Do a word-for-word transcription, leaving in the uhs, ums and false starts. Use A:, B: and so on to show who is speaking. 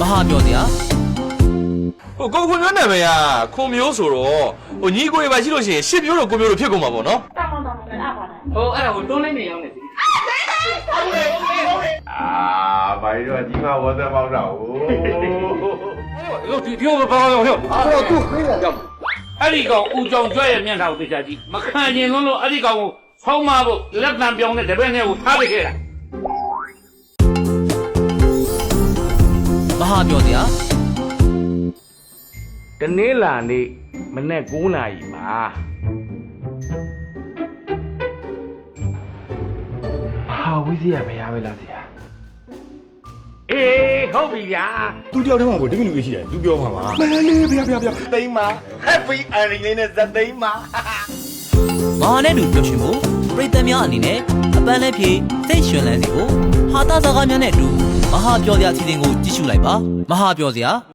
A: ဟာပြောစရာ
B: ဟိုကိုခွန်မျိုးနာမည်ကခွန်မျိုးဆိုတော့ဟိုညီကိုရပါရှိလို့ရှိရင်ရှစ်မျိုးတော့ကိုမျိုးတော့ဖြစ်ကုန်မှာပေါ့နော်
C: တောင်းတောင်းတောင်းလည်းအပါနဲ့
D: ဟိုအဲ့ဒါကိုတွန်းလိုက်နေအောင်နေစီ
E: အာဘာလို့ဒီမှာဝတ်သက်ပေါက်တာဟို
D: ဒီဒီကိုဘာလို့ဟဲ့ဟိုသူ့ခေးတယ်ကြောက်အဲ့ဒီကောင်ဦးကြောင်ကျွဲရဲ့မျက်နှာကိုသိချာကြည့်မခံကျင်လုံးလို့အဲ့ဒီကောင်ကိုဆောင်းမဖို့လက်တံပြောင်းတဲ့တပည့်နဲ့ကိုထားပစ်ခဲ့တာ
A: မဟာပြောစရာ
D: တနေ့လာနေ့မနေ့၉နာရီမှာဟာဝိဇ္ဇာမရပဲလားဆရာအေးဟုတ်ပြီဗျာ
F: သူတယောက်တည်းမှာကိုတမိလူကြီးရှိတယ်သူပြောမှာပါ
E: မလေးဗျာဗျာဗျာသိမ်းပါ happy ending လေးနဲ့ဇက်သိမ်းပါ
A: မဟာနဲ့တူပျော်ရွှင်ဖို့ပရိသတ်များအနေနဲ့အပန်းလည်းဖြေစိတ်ရွှင်လန်းစေဖို့ဟာတာစကားများနဲ့အတူမဟာပြောစရာအစီအစဉ်ကိုကြည့်ရှုလိုက်ပါမဟာပြောစရာ